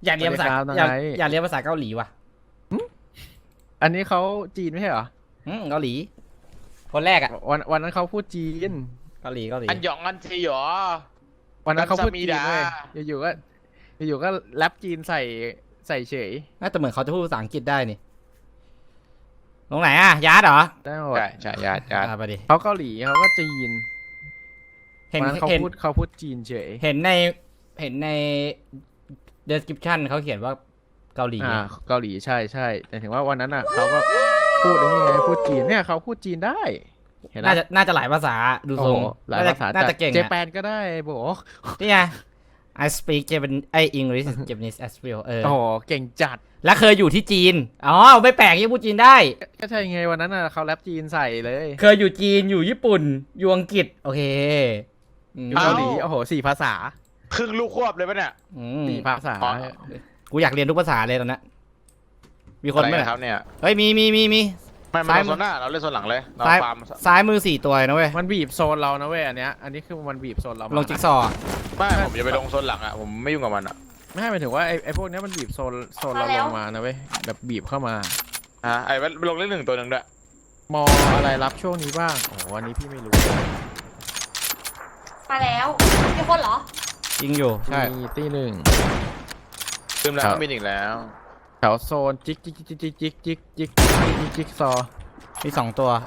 อยากเรียนภาษาอยากเรียนภาษาเกาหลีว่ะอันนี้เขาจีนไม่ใช่เหรอเกาหลีคนแรกอ่ะวันนั้นเขาพูดจีนเกาหลีอันหยองอันทีหรอวันนั้นเขาพูดจีนเลยอยู่ๆก็แรปจีนใส่เฉยน่าจะเหมือนเขาจะพูดภาษาอังกฤษได้นี่ตรงไหนอ่ะยาร์ดเหรอได้หมดใช่ญาติไปดิเขาเกาหลีเขาก็จีนวันนั้นเขาพูดจีนเฉยเห็นใน description เขาเขียนว่าเกาหลีเกาหลีใช่แต่ถึงว่าวันนั้นอ่ะเขาก็พูดไอ้นี่ไงพูดจีนเนี่ยเขาพูดจีนได้น่าจะหลายภาษาดูทรงหลายภาษาน่าจะเก่งเจแปนก็ได้บอกนี่ไง I speak Japanese English Japanese as well โอ้เก่งจัดแล้วเคยอยู่ที่จีนอ๋อไม่แปลกที่พูดจีนได้ก็ใช่ไงวันนั้นน่ะเขาแรปจีนใส่เลยเคยอยู่จีนอยู่ญี่ปุ่นอยู่อังกฤษโอเคอยู่เกาหลีโอ้โห4 ภาษาครึ่งลูกควบเลยปะเนี่ย 4 ภาษากูอยากเรียนทุกภาษาเลยตอนนี้มีคนไหมครับเนี่ยเฮ้ยมีไม่มาโซนหน้าเราเล่นโซนหลังเลยซ้ายมือ4 ตัวนะเว้ยมันบีบโซนเรานะเว้ยอันนี้คือมันบีบโซนเราลงจิ๊กซอว์ไม่ผมจะไปลงโซนหลังอ่ะผมไม่ยุ่งกับมันอ่ะไม่หมายถึงว่าไอ้พวกนี้มันบีบโซนเราลงมานะเว้ยแบบบีบเข้ามาไอ้ลงเล่น1 ตัวหนึ่งด้วยมออะไรรับช่วงนี้บ้างโอ้วันนี้พี่ไม่รู้มาแล้วมีคนเหรอจริงอยู่ใช่มีตี 1 ลืมแล้วมีอีกแล้วแถวโซนจิกซอมี2 ตัว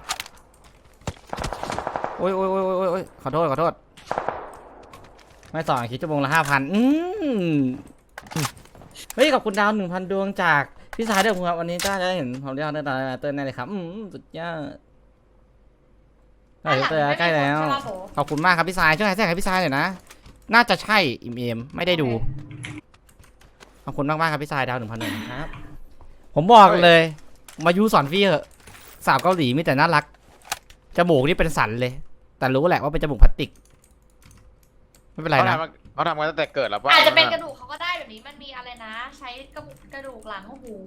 โอ้ยขอโทษไม่สอนคิดชั่วโมงละ 5,000เฮ้ยขอบคุณดาว 1,000 ดวงจากพี่สายเด้อครับวันนี้จ้าจะเห็นผมเรียกเต้นแน่เลยครับสุดยอดใกล้แล้วขอบคุณมากครับพี่สายช่วยแจ้งให้พี่สายหน่อยนะน่าจะใช่อิมไม่ได้ดูขอบคุณมากครับพี่สายดาว 1,000 ดวงครับผมบอกเลยมายูสอนพี่เหอะสาวเกาหลีมีแต่น่ารักจมูกนี่เป็นสันเลยแต่รู้แหละว่าเป็นจมูกพลาสติกไม่เป็นไรนะเขาทำกันตั้งแต่เกิดแล้วป่ะอาจจะเป็นกระดูกเขาก็ได้แบบนี้มันมีอะไรนะใช้กระดูกหลังหู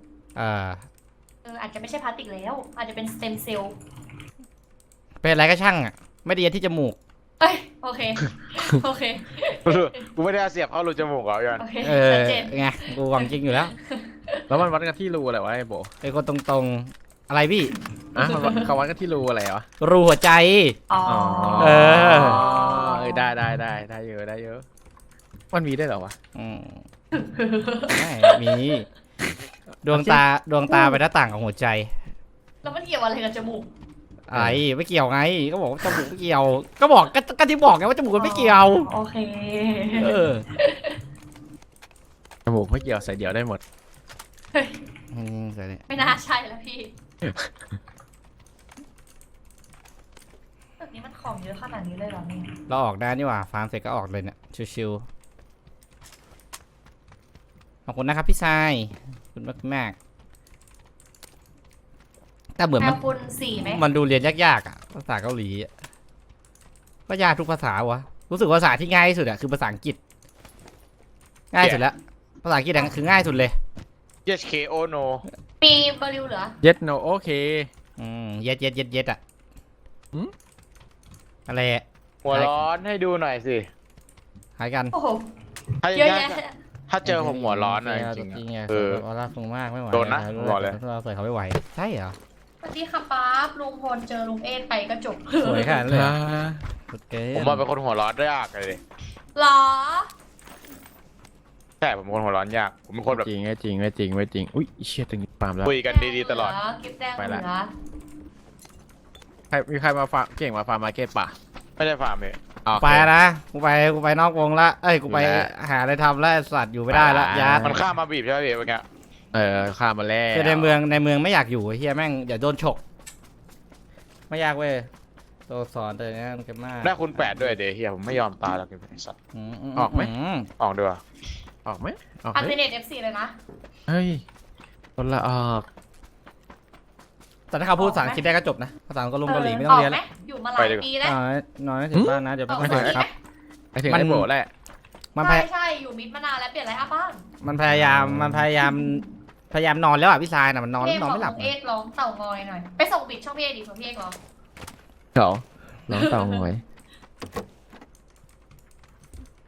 อาจจะไม่ใช่พลาสติกแล้วอาจจะเป็นสเต็มเซลล์เป็นอะไรก็ช่างอ่ะไม่ได้ยันที่จมูกโอเคกูไม่ได้เสียบเข้ารูจมูกเหรอยันไงกูหวังจริงอยู่แล้วแล้วมันวัดกันที่รูอะไรวะไอ้โบไอ้คนตรงๆอะไรพี่เขาวัดกันที่รูอะไรวะรูหัวใจได้เยอะมันมีได้เหรอวะมีดวงตาไปหน้าต่างของหัวใจแล้วมันเกี่ยวอะไรกับจมูกอะไรไม่เกี่ยวไงก็บอกจมูกไม่เกี่ยวก็บอกก็ที่บอกไงว่าจมูกไม่เกี่ยวโอเคจมูกไม่เกี่ยวใส่เดี่ยวได้หมดไม่น่าใช่แล้วพี่แบบนี้มันของเยอะขนาดนี้เลยเหรอเนี่ยเราออกได้นี่หว่าฟาร์มเสร็จก็ออกเลยเนี่ยชิวๆขอบคุณนะครับพี่ชายคุณมากแต่เหมือนมันดูเรียนยากๆอ่ะภาษาเกาหลีก็ยากทุกภาษาวะรู้สึกภาษาที่ง่ายที่สุดอ่ะคือภาษาอังกฤษง่ายสุดแล้วภาษาอังกฤษคือง่ายสุดเลย yes k o no ปีบริวเหรอ yes no โอเค yes อ่ะอะไรหัวร้อนให้ดูหน่อยสิหายกันโอ้โหถ้าเจอผมหัวร้อนนะจริงๆรักมากไม่ไหวโดนนะบอกเลยเราใส่เขาไม่ไหวใช่เหรอสวัสดีค่ะป๊าบลุงพลเจอลุงเอ็นไปก็จบสวยขนาดเลยผมว่าเป็นคนหัวร้อนยากเลยหรอใช่ผมเป็นคนหัวร้อนยากผมเป็นคนแบบจริงไม่จริงอุ้ยเชี่ยตึงปามแล้วคุยกันดีๆตลอดไปละมีใครมาฟาร์มเก่งมาฟาร์มมาร์เก็ตป่ะไม่ได้ฟาร์มเลยไปนะกูไปนอกวงละกูไปหาอะไรทำแล้วสัตว์อยู่ไม่ได้ละยามันข้ามมาบีบใช่ไหมพี่เมื่อกี้ข้ามมาแล้วคือในเมืองไม่อยากอยู่เฮียแม่งอย่าโดนฉกไม่ยากเว้ยตัวสอนตัวนี้มันเก็บมากได้คุณ8ด้วยเดี๋ยวเฮียผมไม่ยอมตายแล้วเก็บไอ้สัตว์ออกไหมออกด้วยออกไหมอัลเทอร์เนท F4 เลยนะเฮ้ยคนละออกแต่ถ้าเขาพูดภาษาอังกฤษได้ก็จบนะภาษาเกาหลีไม่ต้องเรียนแล้วอยู่มาหลายปีแล้วน้อยถึงบ้านนะเดี๋ยวไม่ถึงครับมันโบแหละใช่อยู่มิดมานานแล้วเปลี่ยนอะไรครับบ้านมันพยายามนอนแล้วอ่ะพี่ชายน่ะมันนอนไม่หลับเอ็กร้องเต่างอยหน่อยไปส่งบิดช่องพี่เอ็กดิส่งพี่เอ็กร้องร้องเต่างอย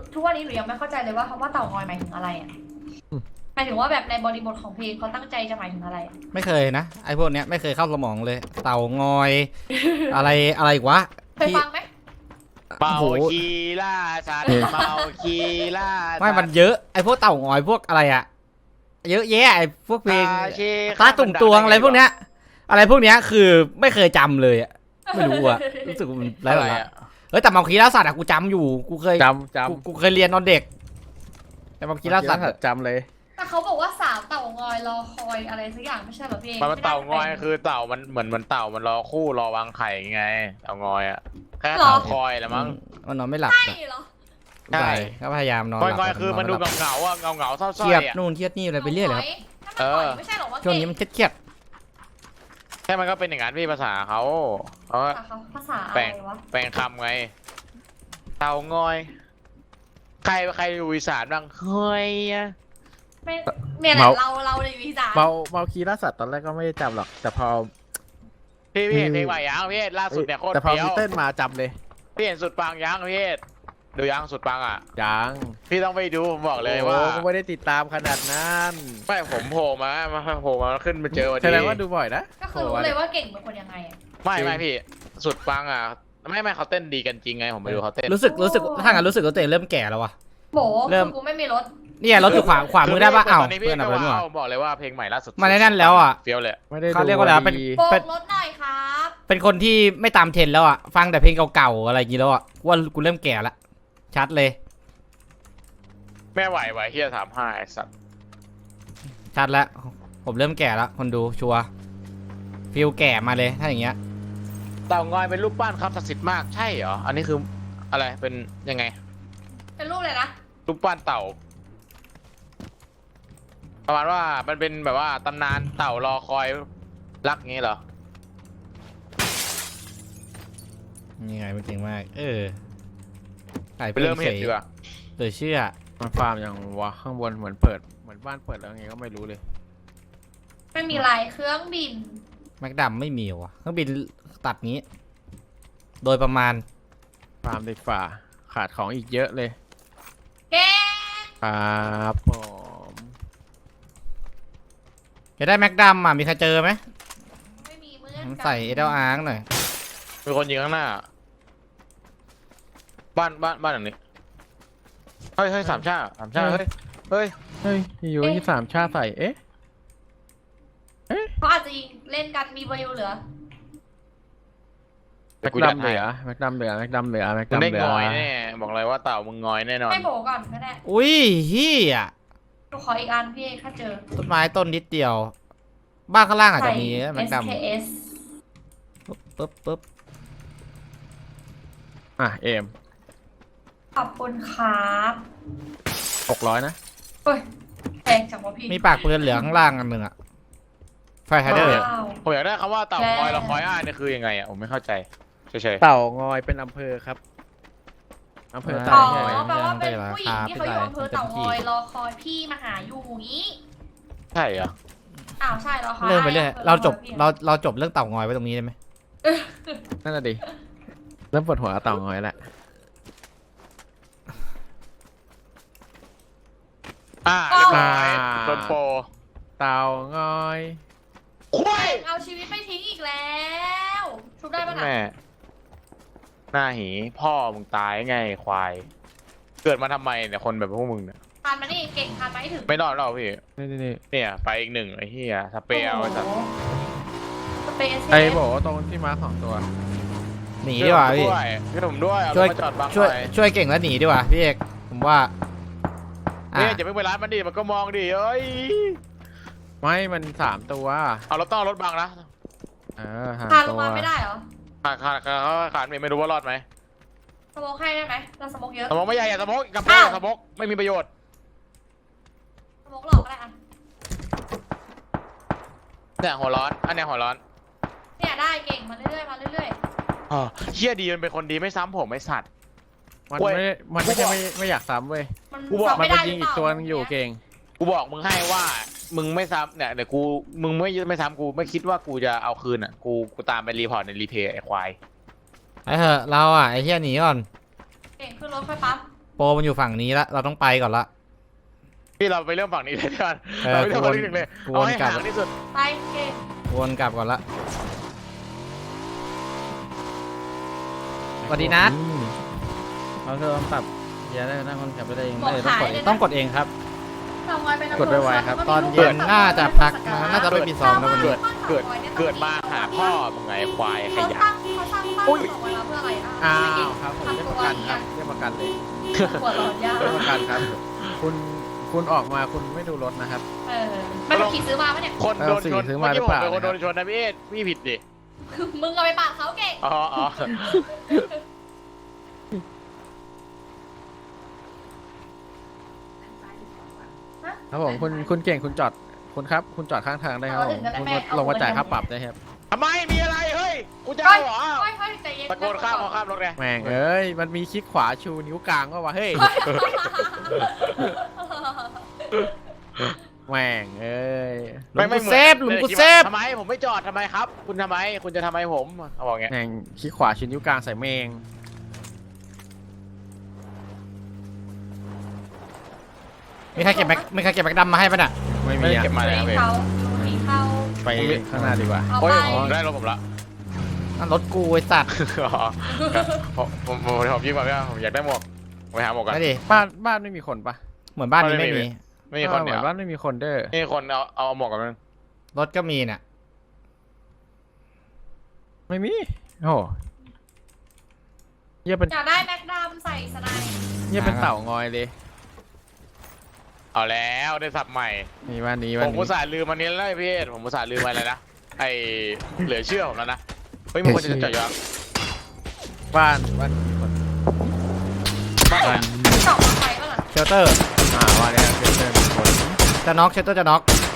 ทุกวันนี้หนูยังไม่เข้าใจเลยว่าคำว่าเต่างอยหมายถึงอะไรอ่ะหมายถึงว่าแบบในบริบทของเพลงเขาตั้งใจจะหมายถึงอะไรอะไม่เคยนะไอ้พวกเนี้ยไม่เคยเข้าสมองเลย เต่างอย อะไรอีกวะเคยฟังไหมเมาโอ้โหคีล่าสัตว์เมาคีล่าสัตว์ไม่มันเยอะไอ้พวกเต่างอยพวกอะไรอะเยอะแยะไอ้พวกเพลงชีตาตุ่มตวงอะไรพวกเนี้ย อะไรพวกเนี้ยคือไม่เคยจำเลยอะไม่รู้อะรู้สึกว่ามันไร้อะไรสาระอะเฮ้ยแต่เมาคีล่าสัตว์อะกูจำอยู่กูเคยจำกูเคยเรียนตอนเด็กแต่เมาคีล่าสัตว์อะจำเลยแต่เขาบอกว่าสาวเต่างอยรอคอยอะไรสักอย่างไม่ใช่เหรอพี่มันเต่างอยคือเต่ามันเหมือนมันเต่ามันรอคู่รอวางไข่ไงเต่างอยอะแค่เต่าคอยแหละมั้งมันนอนไม่หลับใช่อะเหรอใช่ก็พยายามนอนงหอยลับงอยคือมันดูไหลับเงาๆอะเงาๆเศร้าเครียดๆอะนู่นเครียดนี่อะไรไปเรื่อยเลยครับถ้ามันหอยไม่ใช่เหรอว่าช่วงนี้มันเครียดแค่มันก็เป็นอย่างนั้นพี่ภาษาเขาก็ภาษาอะไรวะแปลงคำไงเต่างอย ใครอยู่อีสานบ้างเฮ้ยอะไม่เนี่ยแหละเราในวิจารณ์เมาคีล่าสัตว์ตอนแรกก็ไม่ได้จำหรอกแต่พอพี่เห็นเพลงใหม่ยังพี่ล่าสุดเนี่ยโคตรแต่พอเฟี้ยวมีเต้นมาจำเลยพี่เห็นสุดปังยังพี่ดูยังสุดปังอ่ะยังพี่ต้องไปดูผมบอกเลยว่าโอ้ก็ไม่ได้ติดตามขนาดนั้นไม่ผมโผล่มาขึ้นมาเจอวันแสนี้ดงว่าดูบ่อยนะก็คือรู้เลยว่าเก่งเป็นคนยังไงอ่ะไม่พี่สุดปังอ่ะไม่เขาเต้นดีกันจริงไงผมไปดูเขาเต้นรู้สึกถ้างั้นรู้สึกว่าตัวเองเริ่มแก่แล้ววะโบเริ่มคือกูไม่มีรถเนี่ยรถอยู่ขวามือได้ปะอ้าวตอนนี้พี่เพื่อนก็เอาไปด้วยว้าวบอกเลยว่าเพลงใหม่ล่าสุดมาในนั้นแล้วอะเฟี้ยวเลยไม่ได้ดูเขาเรียกว่าอะไรวะเป็นดีโบกรถหน่อยครับเป็นคนที่ไม่ตามเทรนด์แล้วอ่ะฟังแต่เพลงเก่าๆอะไรอย่างงี้แล้วอ่ะว่ากูเริ่มแก่ละชัดเลยแม่ไหวเฮีย35ไอ้สัตว์ชัดแล้วผมเริ่มแก่แล้วคนดูชัวร์ฟิลแก่มาเลยถ้าอย่างเงี้ยเต่างอยเป็นรูปปั้นครับศักดิ์สิทธิ์มากใช่เหรออันนี้คืออะไรเป็นยังไงเป็นรูปเลยนะรูปปั้นเต่า ประมาณว่ามันเป็นแบบว่าตำนานเต่ารอคอยรักงี้เหรอนี่ไงมันเก่งมากไก่ไปเริ่มเห็นดีกว่าเลยเชื่อมันฟาร์มอย่างวะข้างบนเหมือนเปิดเหมือนบ้านเปิดแล้วไงก็ไม่รู้เลยไม่มีลายเครื่องบินแม็กดัมไม่มีว่ะเครื่องบินตัดงี้ โดยประมาณฟาร์มดีฝ่าขาดของอีกเยอะเลยแกครับผมจะได้แม็กดัมอ่ะมีใครเจอไหมไม่มีเหมือนกันใส่เอเดลอาร์หน่อยมีคนยิงข้างหน้า บ้านหลังนี้เฮ้ยสามชาเฮ้ยเฮ้ยอยู่ที่สามชาติใส่เอ๊ะเขาอาจจะยิงเล่นกันมีบริวเหลือแม็กกูดัดัมนเหลืให้อแม็กดัมเหลือแม็กดัมเหลือแม็กมึดังมได้เหลืงออยแน่บอกเลยว่าเต่ามึงงอยแน่นอนให้โบก่อนก็ได้อุ้ยเฮียหนูขออีกอันพี่ถ้าเจอต้นไม้ต้นนิดเดียว บ้านข้างล่างอาจใส่จะมีแม็กดัม SKS ปึ๊บอ่ะเอมขอบคุณครับ 600นะเฮ้ยแพงจังวะพี่มีปากปืนเหลือข้างล่างอันหนึ่งอะไฟไฮเดอร์ว้าวผมอยากได้คำว่าเต่าคอยเราคอยเนี่ยคือยังไงอ่ะผมไม่เข้าใจเฉยเต่างอยเป็นอำเภอครับอำเภออ๋เต่าองอยแปลว่าเป็นผู้หญิงที่เขาอยู่อำเภอเต่างอยรอคอยพี่มาหาอยู่งี้ๆใช่เหรออ้าวใช่แล้วค่ะเริ่มไปเรื่อยเราจบเรื่องเต่างอยไว้ตรงนี้ได้ไหมนั่นน่ะดิเริ่มปวดหัวเต่างอยแล้วเรียบร้อยโดนโปรเต่างอยควายเอาชีวิตไม่ทิ้งอีกแล้ว ชุบได้ปะน่ะแม่หน้าหีพ่อมึงตายไงควาย เกิดมาทำไมเนี่ยคนแบบพวกมึงเนี่ยทานมานี่เก่งทานมาให้ถึงไม่รอดหรอกพี่นี่เนี่ยไปอีกหนึ่งไอ้เหี้ยสเปรย์เอาไว้สัตว์สเปซไอ้บอกว่าตรงที่มาของตัวหนีดีกว่าพี่ช่วยผมด้วยเอาช่รวยถมาจอดบังหช่วยน่อยช่วยเก่งแล้วหนีดีกว่าพี่เอกผมว่าอ่ะเนี่ยจะไม่ไปร้านมันดิมันก็มองดิเอ้ยไม่มัน3 ตัวเอารถต้องเอารถบังนะหาทานลตังวมาไม่ได้เหรอขาดไม่รู้ว่ารอดไหมสโมกให้ได้ไหมเราสโมกเยอะสมองไม่ใหญ่อย่าสมองกับอ้าวสมองไม่มีประโยชน์สโมกหลอกก็ได้อะเนี่ยหัวร้อนอันเนี้ยหัวร้อนเนี่ยได้เก่งมาเรื่อยๆมาเรื่อยเฮียดีมันเป็นคนดีไม่ซ้ำผมไม่สัตว์มันเว้ยไม่ใช่ไม่อยากซ้ำเว้ยๆมันกูบอกซ้ำมันไม่ไปได้ยิงหรือีกเปล่าตัวนึงอยู่เก่งกูบอกมึงให้ว่ามึงไม่ซ้ำเนี่ยเดี๋ยวกูมึงไม่ซ้ำกูไม่คิดว่ากูจะเอาคืนอ่ะกูตามไปรีพอร์ตในรีเพย์ไอ้ควายไอ้เหอะเราอ่ะไอ้เฮียหนีก่อนเก่งขึ้นรถค่อยปั๊บโปรมันอยู่ฝั่งนี้ละเราต้องไปก่อนละพี่เราไปเริ่มฝั่งนี้เลยดีกว่าเออเราไปเริ่มฝั่งนี้หนึ่งเลยกวนเอาให้กลับห่างที่สุดไปเก่งวนกลับก่อนละสวัสดีนัทเราเริ่มปรับอย่าได้นั่งคนขับไปได้เองต้องกดเองครับทำไว้เป็นกดไวๆครับตอนเย็นน่าจะพักน่าจะไม่มีซ้อมแล้ววันนี้เกิดมาหาพ่อมึงไงควายขเขายะสร้างบ้านต่อไว้แล้วเพื่ออะไรนะอ้าวครับผมเรียกประกันครับเรียกประกันเลยปวดหลอดยาเรียกประกันครับ คุณออกมาคุณไม่ดูรถนะครับไม่ต้องขี่ซื้อมาปะเนี่ยคนโดนชนซื้อเมื่มาอหรืกี้อผเปมล่าเป็นคนโดนชนนะพี่ผิดดิมึงเอาไปปาดเขาเก่งอ๋อครับผมคุณเก่งคุณจอดคุณครับ คุณจอดข้างทางได้ครับผมคุณลงมาจ่ายค่าปรับได้ครับทำไมมีอะไรเฮ้ยกูจะเอาเหรอค่อยๆใจเย็นตะโกนข้ามรถไงแม่งเอ้ยมันมีคลิกขวาชูนิ้วกลางก็ว่าเฮ้ยแม่งเอ้ยหลุมกูเซฟหลุมกูเซฟทำไมผมไม่จอดทำไมครับ คุณทำไมคุณจะทำไมผมเขาบอกไงแม่งคลิกขวาชูนิ้วกลางใส่แมงมีใครเก็บแบ็คดำมาให้ป่ะน่ะไม่ไม่มีได้อ่ะเก็บมาเลยครับพี่เขาดูเขาไปข้างหน้าดีกว่าเอาโอ้ไปยได้รถผมละนั่นรถกูไอ้สัตว์ผมยิงก่อนพี่ผมอยากได้หมวกไปหาหมวกกันไม่ดิบ้านไม่มีคนปะเหมือนบ้านนี้ไม่มีไม่มีคนเหมืเดีอยวนบ้านไม่มีคนเด้อนี่คนเอาหมวกกันนึงรถก็มีน่ะไม่มีโอ้เยี่ยเป็นอยากได้แม็กดำใส่สไนด์เยี่ยเป็นเต่างอยเลยเอาแล้วได้สับใหม่นี่วันนี้ผมอุตส่าห์ลืมมันนี้แล้วพี่ผมอุตส่าห์ลืมอะไรนะไอเหลือเชื่อผมแล้วนะเฮ้ยมึงควรจะจอดย้อนบ้านมีคนบ้านไหนสองมาไฟป่ะล่ะเชลเตอร์ว่าเนี่ยเป็นมีคนจะน็อกเชลเตอร์จะน็อก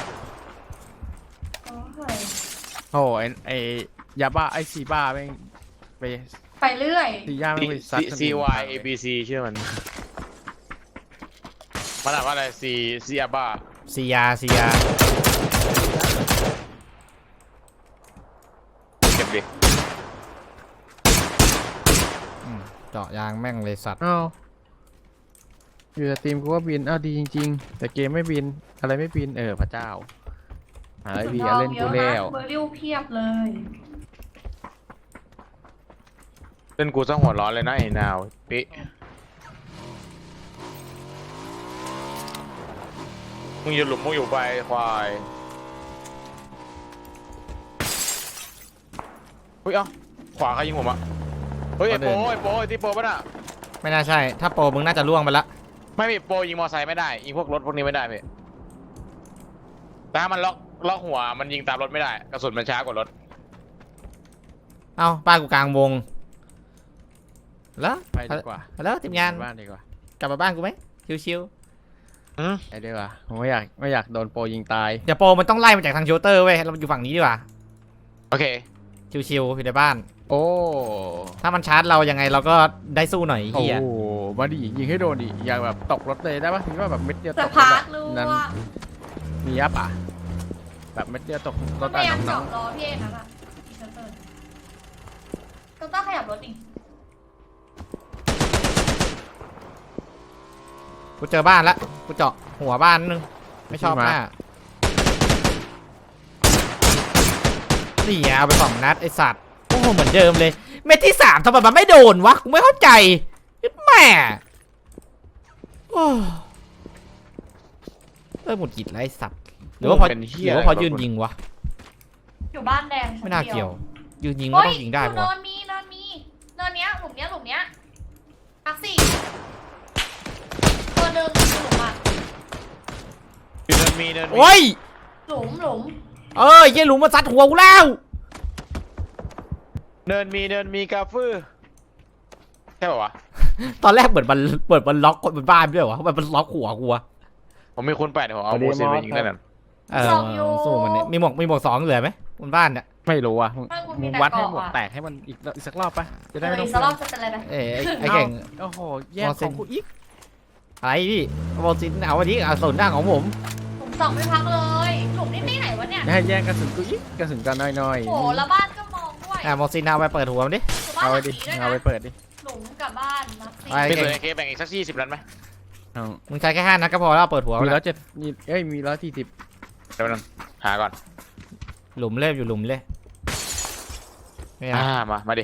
โอ้ไอ้ยาบ้าไอ้ซีบ้าแม่งไปไปเรื่อยซีย่าแม่งไปซัด CY ABC เชื่อมันมันอ่านว่าอะไร C อาบ้าซียาเก็บดิเจาะยางแม่งเลยสัตว์อ้าวอยู่สตรีมกูว่าบินอ้าวดีจริงๆ แต่เกมไม่บินอะไรไม่บินพระเจ้าหาไอพีเล่นกูแล้วเบอร์ริวเพียบเลยเล่นกูซะหัวร้อนเลยนะไอ้นาวปิมึงอยู่หลุมมึงอยู่ไปควายเฮ้ยเอ้าขวาใครยิงผมอะเฮ้ยไอ้โปไอ้ที่โปป่ะน่ะไม่น่าใช่ ถ้าโปรมึงน่าจะล่วงไปละไม่มีโปยิงมอไซค์ไม่ได้ยิงพวกรถพวกนี้ไม่ได้พี่แต่ถ้ามันล็อกหัวมันยิงตามรถไม่ได้กระสุนมันช้ากว่ารถเอ้าบ้านกูกลางวงแล้วไปดีกว่าแล้วทีมงานบ้านดีกว่ากลับมาบ้านกูไหมชิวไปดีกว่าผมไม่อยากโดนโปรยิงตายๆเดี๋ยวโปรมันต้องไล่มาจากทางเชลเตอร์เว้ยเราอยู่ฝั่งนี้ดีกว่าโอเคชิวๆอยู่ในบ้านโอ้ถ้ามันชาร์จเรายังไงเราก็ได้สู้หน่อยไอ้โอ้เฮียมาดิยิงให้โดนดิอยากแบบตกรถเลยได้ปะมีว่าแบบเม็ดเดียวตแต่กพาร์ทรู้นั้นว่ามีอัพอ่ะแบบเม็ดเดียวตกรถพยายามน้จออง ดรอพี่เอ็นนะแบบเชลเตอร์ต้องขยับรถดิกูเจอบ้านละกูเจาะหัวบ้านนึงไม่ชอบหน้านี่ไงเอาไป2 นัดไอสัตว์โอ้โหเหมือนเดิมเลยเม็ดที่3ทำไมมันไม่โดนวะกูไม่เข้าใจแม่โอ้หมุดหงิดไรสัตว์หรือว่าพอเป็นเหี้หยรือว่าพอยืนยิงวะอยู่บ้านแดงไม่น่าเกี่ยว ยืนยิงโอ้ไม่ยต้องยิงได้เนิปะวะนมีเนินเนี้ยหลุมเนี้ยพักสี่ตัวหนึ่งหลุมอ่ะอยู่เนินมีโอ้ยหลุมเยี่ยหลุมมาซัดหัวกูแล้วเนินมีกาฟื้อใช่ป่าวะตอนแรกเหมือนมันล็อกคนบนบ้านด้วยวะมันล็อกหัวกูวะผมมีคูณ8เดี๋ยวผมเอาโมเซนไปยิงได้นั่นสู้มันเนี่ยมีหมวก2เหลือไหมบนบ้านเนี่ยไม่รู้อ่ะบ้านกูมึมีงแต่วัดให้เกาะหมดอ่ะแตกให้มันอีกสักรอบปะจะได้เอไม่อต้ออีงกสักรอบจะเป็นอะไรนะไอ้เก่งโอ้โหแย่งมอขเซ็นองกูอีกอะไรพี่บอลซินเอาวันนี้เอาส่วนหน้าของผมหลุมสองไม่พักเลยหลุมนี่ที่ไหนวะเนี่ยให้แย่งกระสุนกูอีกกระสุนกันน้อยโอ้แล้วบ้านก็มองด้วยบอลซินเอาไปเปิดหัวมันดิบ้านเอาหไปลังดินี้ด้วยเอาไปนะเปิดดิหลุมกับบ้านมาสิไปเป็นส่วนไอเคแบ่งอีกสัก20นัดไหมเอามึงใช้แค่5 นัดก็พอแล้วเปิดหัวมีแล้ว 170มีเอ้ยมี140 เดี๋ยวนึงหาก่อนหลุมเล่อยู่หลุมเลยไม่เอามาดิ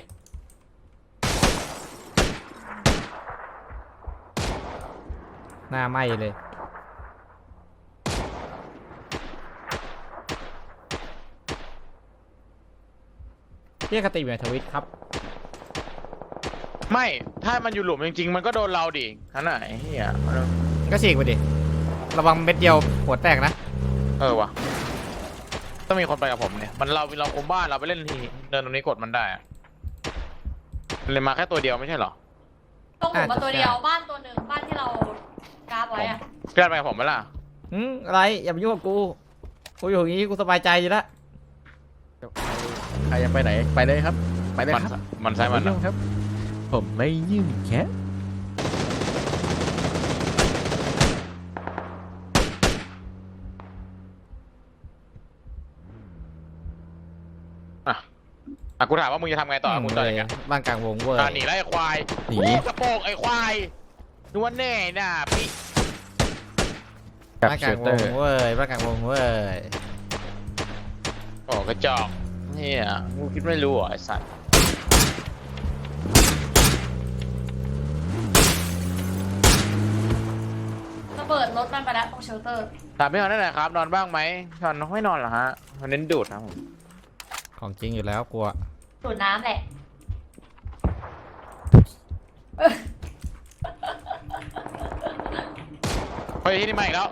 หน้าไหม้เลยเรียกกติอยู่ในทวิตครับไม่ถ้ามันอยู่หลุมจริงๆมันก็โดนเราดิขนาดไหนเฮียก็ฉีกไปดิระวังเม็ดเดียวหัวแตกนะวะต้องมีคนไปกับผมเนี่ยมันเราคุมบ้านเราไปเล่นทีเดินตรงนี้กดมันได้อะมันเลยมาแค่ตัวเดียวไม่ใช่เหรอตรงหลุมมาตัวเดียวบ้านตัวหนึ่งบ้านที่เรากราฟไว้อะพี่ไปกับผมไหมล่ะอะไรอย่ามายุ่งกับกูอยู่อย่างนี้กูสบายใจอยู่แล้วใครจะไปไหนไปเลยครับ ไปเลยมันครับมันใช่มันไยุ่งครับ ผมไม่ยุ่งแค่กูถามว่ามึงจะทำไงต่อมึงต่ออย่างเงี้ยบ้านกลางวงเว้ยหนีไล่ควายหนีกระโปงไอ้ควายนวลแน่น่ะพี่กับบ้านกเชลางลวเตอง ร์เว้ยบ้านกลางวงเว้ยโอ้กระจอกเนี่ยมึงคิดไม่รู้เหรอไอ้สัตว์ระเบิดรถมันไปแล้วตรงเชลเตอร์ถามพี่ฮอนได้ไหนครับนอนบ้างไหมนอนไม่นอนเหรอฮะมันเน้นดูดครับผมของจริงอยู่แล้วกลัวดูดน้ำแหละเฮ้ยที่นี่มาอีกแล้ว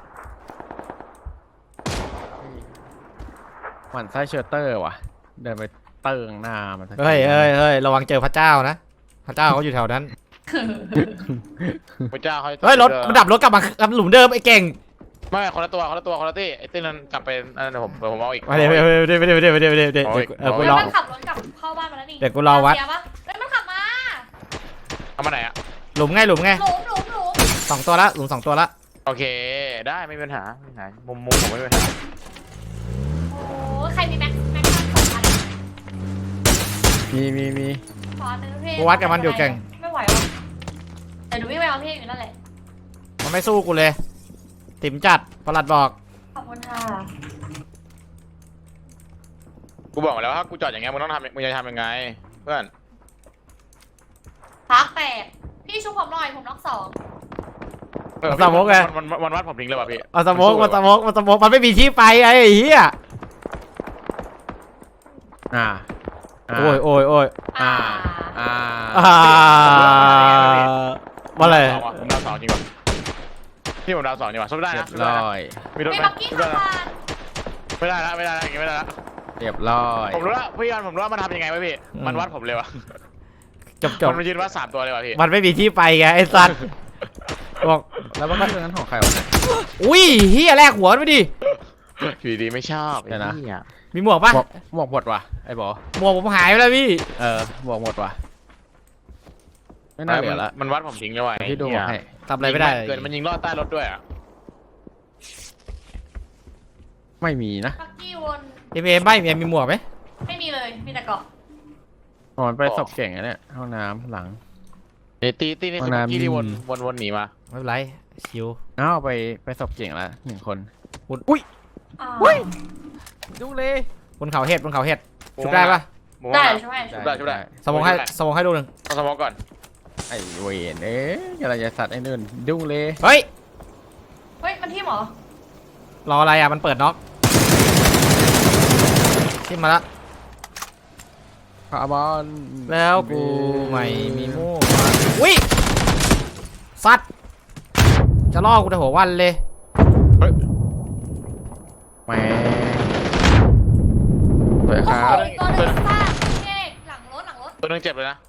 หมั่นไส้เชลเตอร์ว่ะ เดินไปเติงหน้ามันสักทีเฮ้ยระวังเจอพระเจ้านะพระเจ้าเขาอยู่แถวนั้นพระเจ้าเขาเฮ้ยรถมันดับรถกลับมาหลุมเดิมไอ้เก่งไม่คนละตัวที่ไอ้ตี้นั้นกลับไปอันนั้นผมเอาอีกมาเดี๋ยวกูรอมันขับรถกลับเข้าบ้านมาแล้วนี่เดี๋ยวกูรอวัดเสียปะเฮ้ยมันขับมาเอามาไหนอะหลุมไงหลุม 2 ตัวละหลุม2 ตัวละโอเคได้ไม่มีปัญหามุมผมไม่มีปัญหาโอ้ใครมีแม็กซ์2,000 มีขอหนึ่งพี่กูวัดกับมันอยู่เก่งไม่ไหววะแต่หนูวิ่งไปเอาพี่อยู่นั่นแหละมันไม่สู้กูเลยติ๋มจัดประหลัดบอกขอบคุณค่ะกูบอกแล้วถ้ากูจอดอย่างเงี้ยมึงจะทำยังไงเพื่อนพักแปดพี่ชุบผมหน่อยผมน็อก2 มันวัดผมทิ้งเลยว่ะพี่มันสโมกมันไม่มีที่ไปไอ้เหี้ยอ่าโอ้ยอ่ามาเลยผมดาว2จริงป่ะพี่ผมดาว2จริงป่ะสู้ได้เรียนะบร้อยมีรถมีไหมบักกี้ขับผ่านไม่ได้แล้วอย่างงี้ไม่ได้แล้วเรียบร้อยผมรู้แล้วพี่ยอนผมรู้ว่ามันทำยังไงไว้พี่มันวัดผมเลยว่ะจบมันมายืนวัด3ตัวเลยว่ะพี่มันไม่มีที่ไปไงไอ้สัตว์บอกแล้วว่าเรื่องนั้นของใครวะอุ้ยเหี้ยแลกหัวไปดิอยู่ดีไม่ชอบเดี๋ยวนะมีหมวกปะหมวกหมดว่ะไอ้บอหมวกผมหายไปแล้วพี่หมวกหมดว่ะ ไม่น่าเหลือละมันวัดผมทิ้งเลยว่ะที่ดูหมวกให้ทำอะไรไม่ได้เกิดมันยิงลอดใต้รถด้วยอ่ะไม่มีนะบักกี้วนเอ็มไม่มีหมวกไหมไม่มีเลยมีแต่เกาะมันไปศพเก่งอะเนี่ยห้องน้ำหลังตีนี่คือเมื่อกี้ที่วนหนีมาไม่เป็นไรชิวอ้าวไปศพเก่งละ1 คนอ่าดูเลยบนเขาเห็ดชุบได้ปะได้ใช่ไหมชุบได้สมองให้ดูหนึ่งเอาสมองก่อนไอ้เวนอะไรจะสัตว์ไอ้นู่นดูเลยเฮ้ยเฮ้ยมันที่หมอรออะไรอ่ะมันเปิดน็อกขึ้นมาละคาร์บอนแล้วกูไม่มีมูกอุ้ยสัตว์จะล่อกูแต่หัววันเลยแหมสวยคโอ้รัโหบอีกตัวหนึ่งซ่าพี่เอกหลังรถตัวนึงเจ็บเลยนะ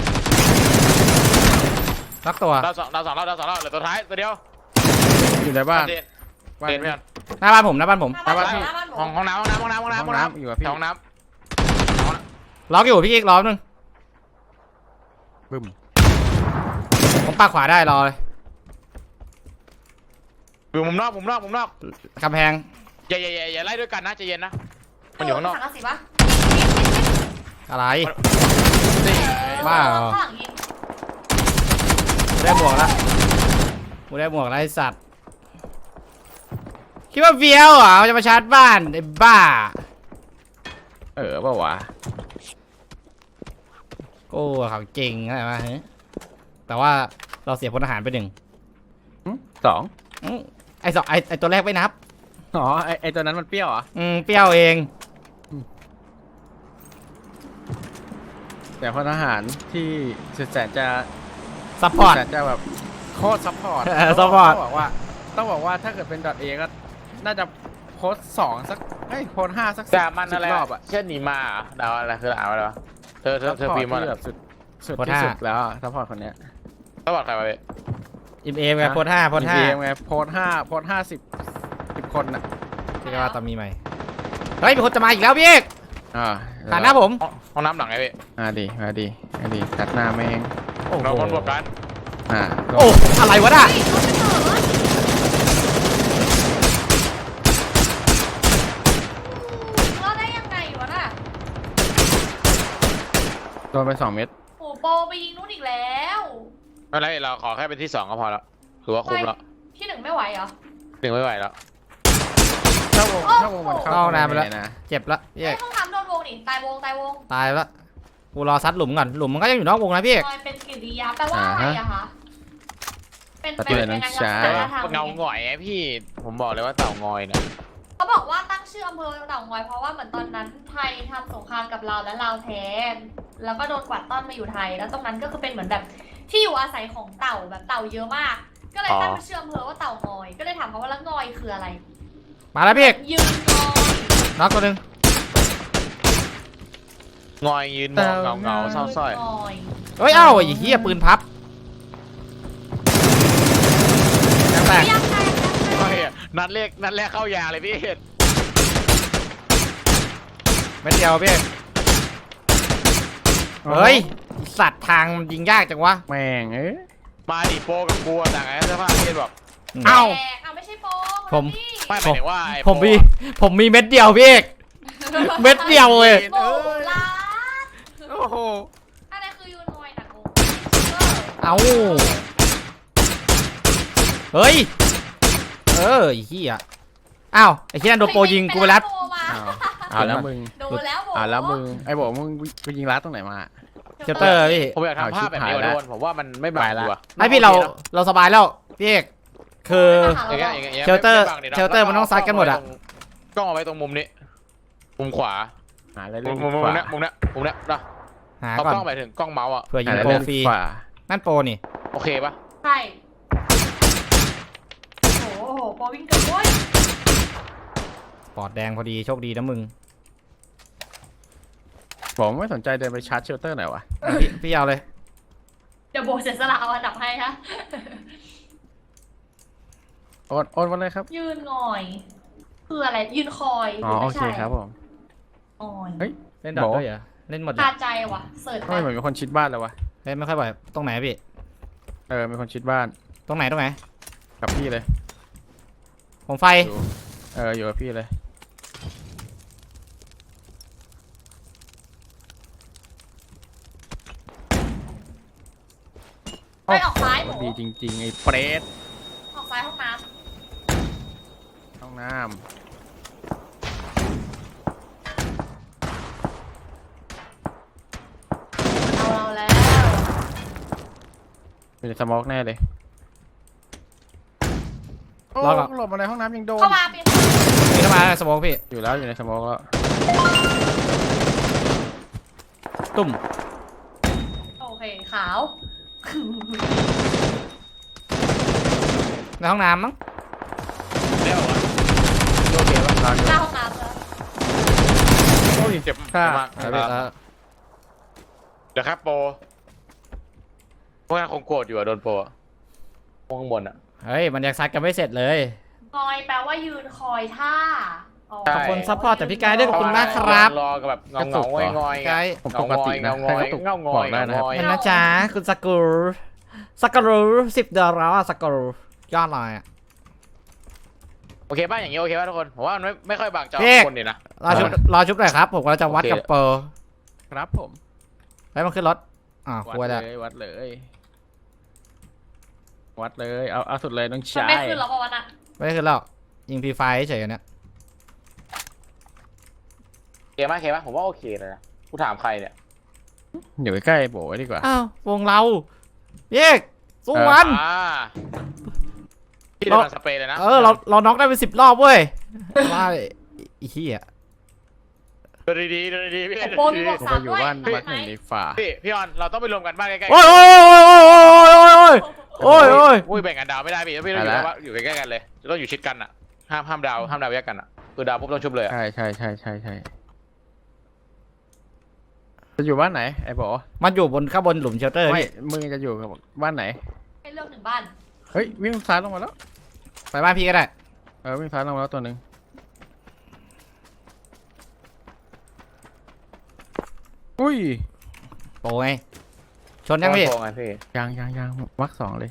รักตัวดาวสองเหลือตัวท้ายตัวเดียวอยู่ในบ้านเด่นพี่ยอนหน้าบ้านผมหน้าบ้านหน้าบ้านหน้าบ้านหมห้องน้ำห้องน้ำอยู่กับพี่ห้องน้ล็อกอยู่พี่กิ๊กล้อมนึงบึ้มผมปากขวาได้รอเลยำอยู่มุมนอกกำแพงอย่าไล่ด้วยกันนะใจเย็นนะมันอยู่ข้างนอกถังกระสีปะอะไรนี่บ้าเหรอข้างหลังยิงได้หมวกแล้วกูได้หมวกแล้วไอ้สัตว์คิดว่าเฟี้ยวเหรอมันจะมาชาร์จบ้านไอ้บ้าเปล่าวะกูเขาเก่งอะไรมาฮะแต่ว่าเราเสียพลทหารไป 1 สองไอ้สองไอ้ตัวแรกไม่นับอ๋อไอตัวนั้นมันเปรี้ยวเหรอเปรี้ยวเองแต่พลทหารที่สุดแสนจะซัพพอร์ตสุดแสนจะแบบโคตรซัพพอร์ต support ต้องบอกว่าถ้าเกิดเป็น .a ก็น่าจะโพสต์2สักโพสต์5สักแต่มันอะไร 10รอบอะเช่นหนีมาเหรอดาวอะไรคืออะไรวะเธอซัพพอร์ตพิมพ์มาที่แบแบบ บสุดที่สุดแล้วซัพพอร์ตคนเนี้ยสวัสดีใครมาพี่อิมเอมไงโพส5โพสเกมไงโพสต์10คนน่ะ 5ที่ว่าตอนมีใหม่เฮ้ยมีคนจะมาอีกแล้วพี่เอก ผ่านหน้าผมห้องน้ำหลังไงพี่มาดิตัดหน้าแม่งโอ้โหเราคนบวกกันโอ้อะไรวะน่ะเฮ้ยรถมันเถิดรอดได้ยังไงวะน่ะโดนไป2 เม็ดโอ้โปไปยิงนู้นอีกแล้วไม่เป็นไรเราขอแค่เป็นที่ 2ก็พอแล้วถือว่าคุ้มแล้วที่ 1ไม่ไหวเหรอหนึ่งไม่ไหวแล้วถ้าวงมันเข้านะเจ็บละพี่เอไอ้กห้องน้ำโดนวงนี่ตายวงตายละกูรอซัดหลุมก่อนหลุมมันก็ยังอยู่นอกวงนะพี่เอกลอยเป็นกิริยาแปลว่าอะไรอะคะเป็นปฏิบัติน้องชายเงาหงอยไงพี่ผมบอกเลยว่าเต่างอยเนี่ยเขาบอกว่าตั้งชื่ออำเภอเต่างอยเพราะว่าเหมือนตอนนั้นไทยทำสงครามกับลาวและลาวแพ้แล้วก็โดนกวาดต้อนมาอยู่ไทย แล้วตรงนั้นก็คือเป็นเหมือนแบบที่อยู่อาศัยของเต่าแบบเต่าเยอะมาก ก็เลยตั้งชื่ออำเภอว่าเต่างอย ก็เลยถามเขาว่าแล้วงอยคืออะไรมาแล้วพี่เอกยืนงอยน็อกตัวหนึงงอยยืนมองเงาเศร้าส้อยงอยเฮ้ยเอ้าไอ้เหี้ยปืนพับยังแตกยังไงนัดแรกเข้ายาเลยพี่เม็ดเดียวพี่เอกเฮ้ยไอ้สัตว์ทางมันยิงยากจังวะแม่งมาดิโปกับกูต่างไงเสื้อผ้าพี่บอกเอ้าเอาไม่ใช่โปผมไม่หมายถึงว่าไอ้ผมมีเม็ดเดียวพี่เอกเม็ดเดียวเลยโบลาโอ้โหอะไรคือยูนอยหนักโบเอ้าเฮ้ยไอ้เหี้ยอ้าวไอ้เหี้ยนั่นโดนโปรยิงกูไปรัดเอาแล้วมึงโดนแล้วโบแล้วมึงไอ้บอกมึงไปยิงรัดตรงไหนมาเชลเตอร์พี่ผมอยากทำภาพแบบนี้โดนผมว่ามันไม่บางตัวไอพี่เราสบายแล้วพี่เอกคืออย่างเงี้ยเชลเตอร์มันต้องซัดกันหมดอะกล้องเอาไว้ตรงมุมนี้มุมขวาหาอะไรมุเล่นมเนี้ยนะหาเอาก่อนกล้องไปถึงกล้องเมาส์อ่ะเผื่อยิหาง อะไรโปรเล่นฟรีขวานั่นโปรนี่โอเคปะใช่โอ้โหโปวิ่งเกินโว้ยปอดแดงพอดีโชคดีนะมึงบอกไม่สนใจเดินไปชาร์จเชลเตอร์หน่อยวะพี่เอาเลยเดี๋ยวโบเสียสละเอาอันดับให้ฮะโอนมาเลยครับยืนงอย คืออะไร ยืนคอยโอเคครับผมงอยเฮ้ยเล่นดอทด้วยเหรอเล่นหมดเลยคาใจว่ะ เสิร์ชทำไมเหมือนมีคนชิดบ้านเลยวะเล่นไม่ค่อยบ่อยตรงไหนพี่มีคนชิดบ้านตรงไหนกับพี่เลยผมไฟอยู่กับพี่เลยไปออกซ้ายโบดีจริงๆไอ้เปรตออกซ้ายห้องน้ห้องน้ำเอาเราแล้วำอยู่ในสโมอกแน่เลยโอ้หลบมาในห้องน้ำยังโดนเข้ามาเปลี่ยนนี่เข้ามาสมองพี่อยู่แล้วอยู่ในสโมอกแล้วตุ่มโอเค ขาวในห้องน้ำมั้งเรียกว่าโอเคป่ะหน้าห้องน้ำแล้วโอ้ยเจ็บมากเอาพี่เอาเดี๋ยวครับโปพวกนั้นคงโกรธอยู่อะโดนโปพวกข้างบนอะเฮ้ยมันยังซัดกันไม่เสร็จเลยงอยแปลว่ายืนคอยท่าขอบคุณซัพพอร์ตจากพี่กายด้วยขอบคุณมากครับรอกับแบบเงาๆงอยไกด์ผมปกตินะเงาใครก็ตกเงาบอกได้นะครับเป็นนะจ๊ะคุณสกู10 ดอลลาร์สกูยอดเลยอ่ะโอเคป่ะอย่างงี้โอเคป่ะทุกคนผมว่ามันไม่ค่อยบางจอพี่คนดีนะรอชุบหน่อยครับผมกำลังจะวัดกับเปอร์ครับผมแล้วมันขึ้นรถคุยแล้ววัดเลยวัดเลยเอาสุดเลยน้องมันชายไม่ขึ้นแล้วปะวันอะไม่ได้ขึ้นหรอกยิงฟรีไฟเฉยๆอันเนี้ยโอเคไหมโอเคไหมผมว่าโอเคเลยนะกูถามใครเนี่ยอยู่ใกล้ๆโบไว้ดีกว่าอ้าววงเราเยกสู้มันพี่เดินสเปรย์เลยนะเราน็อกได้เป็น10 รอบเว้ยว่าไอ้เหี้ยเดินดีๆเดินดีๆพี่โปรมีบวกผมสาไปมอยู่ด้วยบ้านไหวัดหนึ่งในฝ่าพี่ออนเราต้องไปรวมกันบ้านใกล้ๆโอ้ยโอ้ยโอ้ยอุ้ยแบ่งกันดาวไม่ได้พี่พี่ต้องอยู่ใกล้ๆกันเลยต้องอยู่ชิดกันอ่ะห้ามดาวแยกกันอ่ะคือดาวปุ๊บต้องชุบเลยใช่จะอยู่บ้านไหนไอ้โบมันอยู่ข้างบนหลุมเชลเตอร์ไม่พี่มึงจะอยู่กับบ้านไหนให้เลือก1บ้านเฮ้ยวิ่งซ้ายลงมาแล้วไปบ้านพี่ก็ได้วิ่งซ้ายลงมาแล้วตัวหนึ่งอุ้ยโปไงชนยังพี่ไงพี่ยังวัก2เลย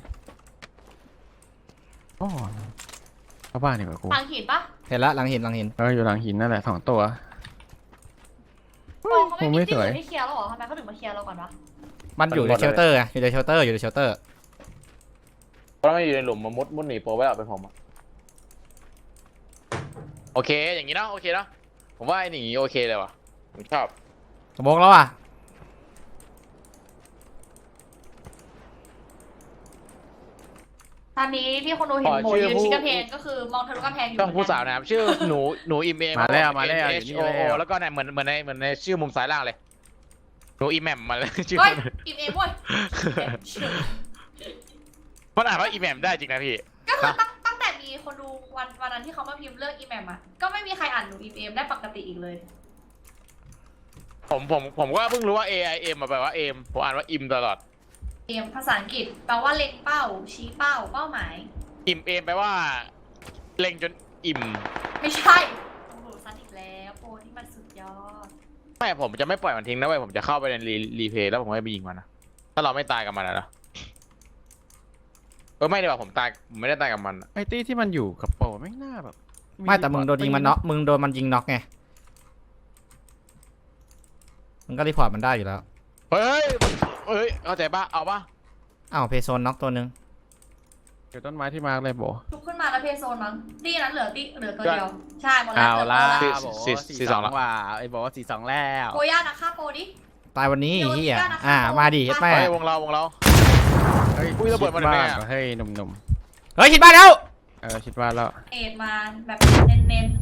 โอ้เข้าบ้านดีกว่ากูทางหินปะเห็นละหลังหินอยู่หลังหินนั่นแหละ2 ตัวโปรเขาไม่มีที่สวยอื่นให้เคลียร์แล้วเหรอทำไมเขาถึงมาเคลียร์เราก่อนวะมันอยู่ในเชลเตอร์ไงอยู่ในเชลเตอร์เพราะไม่อยู่ในหลุมมันมุดหนีโปรไว้เอาเป็นผมโอเคอย่างนี้เนาะโอเคเนาะผมว่าไอ้หนีโอเคเลยว่ะผมชอบสมองแล้วอ่ะตอนนี้ที่คนดูเห็นโบยืนชิดกำแพงก็คือมองทะลุกำแพงอยู่ต้องผู้สาวนะครับชื่อหนูอิมเอมาแล้ว H O O แล้วก็เนี่ยเหมือนในชื่อมุมซ้ายล่างเลยหนูอิมแหมมมาเลยชื่อเฮ้ยอิ่มเอมเว้ยมันอ่านว่าอิมแหมมได้จริงนะพี่ก็คือตั้งแต่มีคนดูวันนั้นที่เขามาพิมพ์เรื่องอีแมมอะก็ไม่มีใครอ่านหนูอีเอมได้ปกติอีกเลยผมก็เพิ่งรู้ว่า AIM มาแปลว่าเอมผมอ่านว่าอิมตลอดเอมภาษาอังกฤษแปลว่าเล็งเป้า ชี้เป้าเป้าหมายอิมเอมแปลว่าเล็งจนอิ่มไม่ใช่โอ้โหซัดอีกแล้วโปรนี่มันสุดยอดไม่ผมจะไม่ปล่อยมันทิ้งนะเว้ยผมจะเข้าไปในรีเพย์แล้วผมก็ไปยิงมันนะถ้าเราไม่ตายกับมันนะไม่ดีกว่าผมไม่ได้ตายกับมันไอ้ตี้ที่มันอยู่กับโปรไม่น่าแบบไม่แต่มึงโดนยิงมันน็อกมึงโดนมันยิงน็อกไงมึงก็รีพอร์ตมันได้อยู่แล้วเฮ้ยเข้าใจป่ะเอาป่ะอ้าวเพโซนน็อกตัวนึงอยู่ต้นไม้ที่มาร์กเลยโบชุบขึ้นมาแล้วเพย์โซนมั้งตีนั้นเหลือตัวเดียว ใช่หมดแล้วเอาล่ะเหลือโบ 4-2 ว่าไอ้โบ4-2แล้วโปรย่านะค่าโปรดิตายวันนี้เดี๋ยวเฮียเดี๋ยวนะคะมาดิเฮ็ดแม่เฮ้ยวงเราเฮ้ยอุ้ยระเบิดมาจากไหนอะเฮ้ยหนุ่มเฮ้ยคิดบ้านแล้วคิดว่าแล้วเอ็ดมาแบบเน้น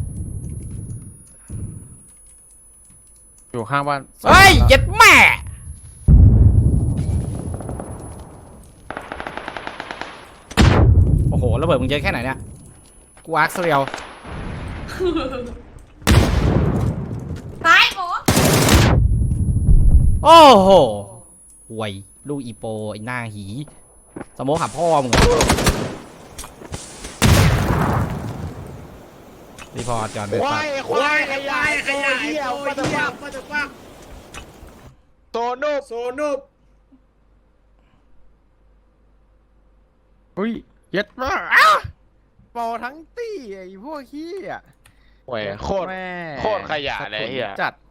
อยู่ข้างบ้านเฮ้ยเย็ดแม่โอ้โหระเบิดมึงเยอะแค่ไหนเนี่ยกูอาร์คเรียวๆซ้ายโบโอ้โหห่วยลูกอีโปไอ้หน้าหีสโมกหาพ่อมึงเหรอรีพอร์ตก่อนไปควายขยายเหี้ยมาจากฟักโซนุบอุ้ยเย็ดมากโปรทั้งตี้ไอ้พวกขี้อ่ะโอ้ยโคตรแม่โคตรขยะเลยเหี้ยจัด